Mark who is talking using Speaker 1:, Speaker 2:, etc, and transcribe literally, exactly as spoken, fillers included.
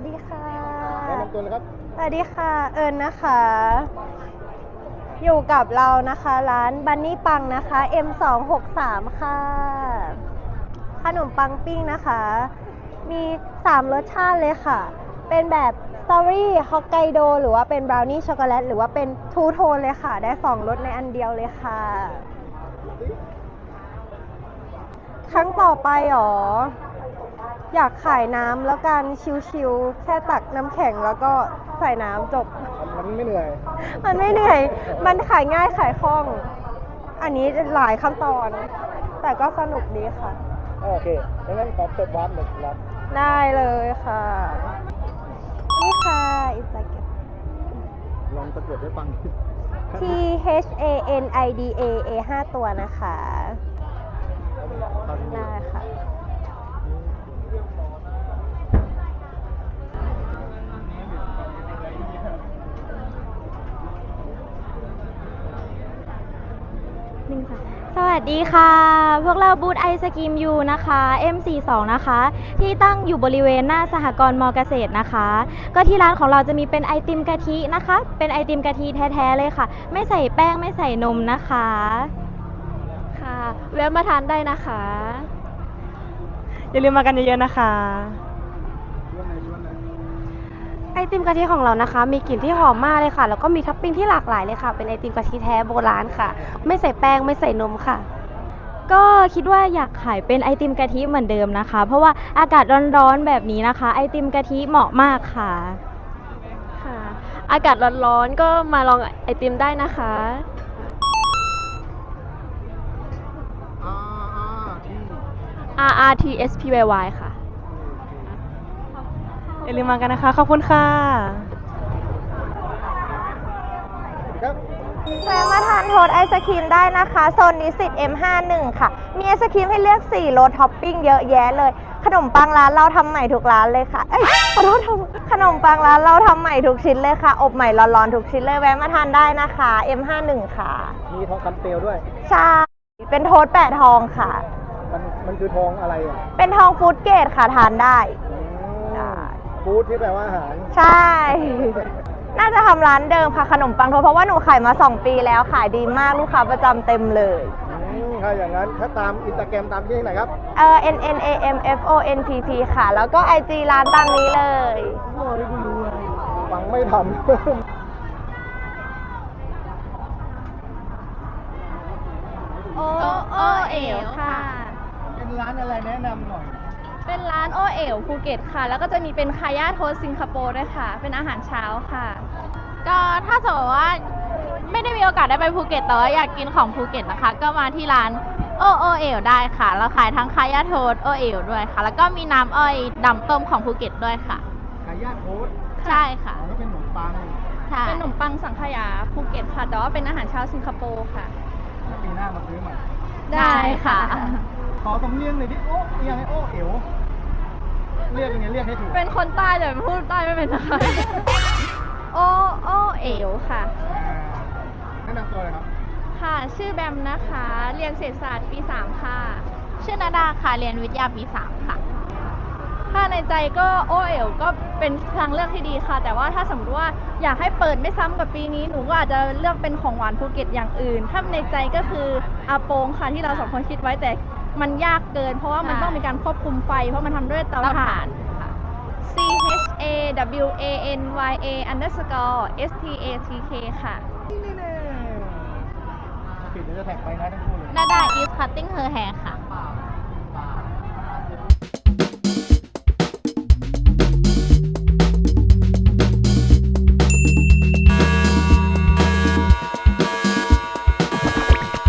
Speaker 1: วัสดีค่ะ
Speaker 2: แนะนำตัวเลยครับ
Speaker 1: สวัสดีค่ะ เอิญนะคะ อยู่กับเรานะคะร้านบันนี่ปังนะคะ เอ็ม สอง หก สาม ค่ะ ขนมปังปิ้งนะคะ มีสามรสชาติเลยค่ะ เป็นแบบสตรอเบอรี่ฮอกไกโดหรือว่าเป็นบราวนี่ช็อกโกแลตหรือว่าเป็นทูโทนเลยค่ะ ได้สองรสในอันเดียวเลยค่ะ ครั้งต่อไปหรอ อยากขายน้ำแล้วกันชิวๆแค่ตักน้ำแข็งแล้วก็ใส่น้ำจบ
Speaker 2: มันไม่เหนื่อย
Speaker 1: มันไม่เหนื่อย มันขายง่ายขายคล่อง อันนี้หลายขั้นตอน แต่ก็สนุกดีค่ะ
Speaker 2: โอเคงั้นขอเปิดวาร์ปหน่อยครับ
Speaker 1: ได้เลยค่ะ นี่ค่ะอินสตาแกรม
Speaker 2: ลองสะกดให้ฟัง
Speaker 1: T H A N I D A A ห้าตัวนะคะ ได้ค่ะ
Speaker 3: สวัสดีค่ะ พวกเราบูธไอศกรีมยูนะคะ เอ็ม สี่สิบสอง นะคะ ที่ตั้งอยู่บริเวณหน้าสหกรณ์มอเกษตรนะคะ ก็ที่ร้านของเราจะมีเป็นไอติมกะทินะคะ เป็นไอติมกะทิแท้ๆเลยค่ะ ไม่ใส่แป้งไม่ใส่นมนะคะ
Speaker 4: ค่ะแวะมาทานได้นะคะ
Speaker 1: อย่าลืมมากันเยอะๆนะคะ ไอติมกะทิของเรานะคะ มีกลิ่นที่หอมมากเลยค่ะ แล้วก็มีท็อปปิ้งที่หลากหลายเลยค่ะ เป็นไอติมกะทิแท้โบราณค่ะ ไม่ใส่แป้งไม่ใส่นมค่ะ
Speaker 3: ก็คิดว่าอยากขายเป็นไอติมกะทิเหมือนเดิมนะคะ เพราะว่าอากาศร้อนๆแบบนี้นะคะ ไอติมกะทิเหมาะมากค่ะ
Speaker 4: ค่ะ อากาศร้อนๆก็มาลองไอติมได้นะคะ
Speaker 2: R R T
Speaker 4: R R T S P Y Y ค่ะ
Speaker 1: อย่าลืมมากันนะคะ ขอบคุณค่ะ
Speaker 2: ครับ
Speaker 1: แวะมาทานโทษไอศครีมได้นะคะ โซนนิสิต เอ็ม ห้าสิบเอ็ด ค่ะ มีไอศครีมให้เลือกสี่รสท็อปปิ้งเยอะแยะเลย ขนมปังร้านเราทำใหม่ทุกร้านเลยค่ะ เอ้ยขอโทษทำขนมปังร้านเราทำใหม่ทุกชิ้นเลยค่ะ อบใหม่ร้อนๆทุกชิ้นเลย แวะมาทานได้นะคะ เอ็ม ห้าสิบเอ็ด ค่ะ
Speaker 2: มีทองคำเปลวด้วย
Speaker 1: ใช่ เป็นโทษแปะทองค่ะ
Speaker 2: มันมันคือทองอะไรอ่ะ
Speaker 1: เป็นทองฟู้ดเกรดค่ะ ทานได้ ได้
Speaker 2: ฟู้ดที่แปลว่าอาหาร
Speaker 1: ใช่ น่าจะทำร้านเดิมค่ะ ขนมปังโทษเพราะว่าหนูขายมาสองปีแล้ว ขายดีมากลูกค้าประจำเต็มเลย
Speaker 2: อืมถ้าอย่างนั้นถ้าตามอินสตาแกรมตามที่ไหนครับ
Speaker 1: เอ่อ N N A M F O N P P ค่ะ แล้วก็ ไอ จี ร้านตามนี้เลย
Speaker 2: ฟังไม่ทำ
Speaker 4: โอโอเอ๋วค่ะ
Speaker 2: เป็นร้านอะไรแนะนำหน่อย
Speaker 4: เป็นร้านโอเอ๋วภูเก็ตค่ะ แล้วก็จะมีเป็นคาย่าโทสต์สิงคโปร์ด้วยค่ะ เป็นอาหารเช้าค่ะ
Speaker 5: ก็ถ้าสมมติว่าไม่ได้มีโอกาสได้ไปภูเก็ตแต่ว่าอยากกินของภูเก็ตนะคะ ก็มาที่ร้านโอโอเอลได้ค่ะ เราขายทั้งคายาโทสโอเอลด้วยค่ะ แล้วก็มีน้ำอ้อยดำต้มของภูเก็ตด้วยค่ะ
Speaker 2: ไก่ย่างโค้ด
Speaker 5: ใช่ค่ะ
Speaker 2: อ๋อก็เป็นขนมปัง
Speaker 5: ใช่
Speaker 4: เป็นขนมปังสังขยาภูเก็ตค่ะ แต่ว่าเป็นอาหารเช้าสิงคโปร์ค่ะ
Speaker 2: ปีหน้ามาซื้อใหม่
Speaker 5: ได้ค่ะ
Speaker 2: ขอสำเนียงหน่อยดิโอ้เอียงไอโอ้เอ๋วเรียกยังไงเรียกให้ถูก
Speaker 4: เป็นคนใต้แต่พูดใต้ไม่เป็นนะคะ โอโอเอ๋วค่ะ
Speaker 2: อ่าแนะนำตัวเลยครับ
Speaker 4: ค่ะ ชื่อแบมนะคะ เรียนเศรษฐศาสตร์ปีสามค่ะ
Speaker 5: ชื่อนาดาค่ะ เรียนวิทยาปีสามค่ะ
Speaker 4: ถ้าในใจก็โอเอ๋วก็เป็นทางเลือกที่ดีค่ะ แต่ว่าถ้าสมมติว่าอยากให้เปิดไม่ซ้ำกับปีนี้หนูก็อาจจะเลือกเป็นของหวานภูเก็ตอย่างอื่น ถ้าในใจก็คืออาโปงค่ะที่เราสองคนคิดไว้แต่มันยากเกิน เพราะว่ามัน
Speaker 5: ใช่
Speaker 4: ต้องมีการควบคุมไฟ เพราะมันทำด้วยเตา
Speaker 5: เตา
Speaker 4: ถ่า
Speaker 5: ถ่าน นค่ะ
Speaker 4: C H A W A N Y A underscore S T A T K ค่ะ
Speaker 2: นี่แน่ปิดเดี๋ยวจะแท็กไปนะทั้งคู่เลย
Speaker 5: นาดา is cutting her hair